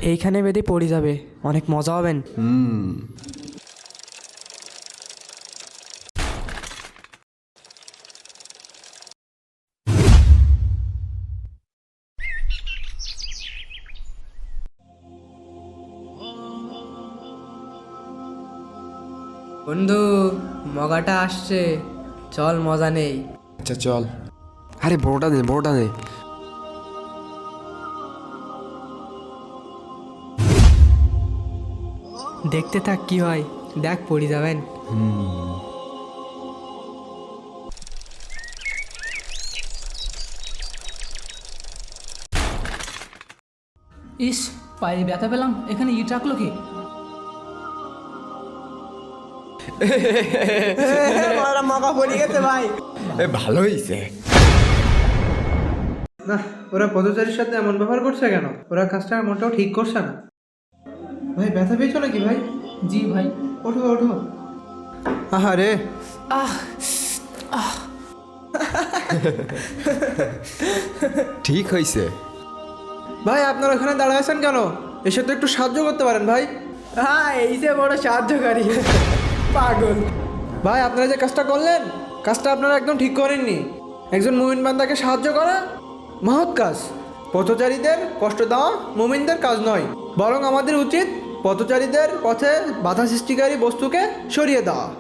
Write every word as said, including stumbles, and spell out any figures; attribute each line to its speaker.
Speaker 1: এইখানে বেঁধে পড়ে যাবে, অনেক মজা হবেন।
Speaker 2: হুম।
Speaker 1: বন্ধু, মগাটা আসছে, চল মজা নেই।
Speaker 2: আচ্ছা চল। আরে বড়টা দে, বড়টা দে।
Speaker 1: দেখতে থাক কি হয়, দেখ পড়ে যাবেন।
Speaker 3: ইস, পায়ে ব্যথা পেলাম, এখানে ইট রাখলো কি?
Speaker 1: মগা পড়ে গেছে ভাই।
Speaker 2: এ ভালো হয়েছে।
Speaker 4: না, ওরা পথচারীর সাথে এমন ব্যবহার করছে কেন? ওরা কাজটা মোটেও ঠিক করছে না। ভাই ব্যথা পেয়েছো নাকি ভাই?
Speaker 3: জি ভাই।
Speaker 4: ওঠো ওঠো। আহারে,
Speaker 2: ঠিক হয়েছে।
Speaker 4: ভাই আপনারা ওখানে দাঁড়ায় আছেন কেন? এসে তো একটু সাহায্য করতে পারেন ভাই।
Speaker 1: হ্যাঁ, এই যে বড় সাহায্যকারী পাগল।
Speaker 4: ভাই আপনারা যে কাজটা করলেন, কাজটা আপনারা একদম ঠিক করেননি। একজন মুমিন বান্দাকে সাহায্য করা মহৎ কাজ। পথচারীদের কষ্ট দেওয়া মুমিনদের কাজ নয়, বরং আমাদের উচিত পথচারীদের পথে বাধা সৃষ্টিকারী বস্তুকে সরিয়ে দেওয়া।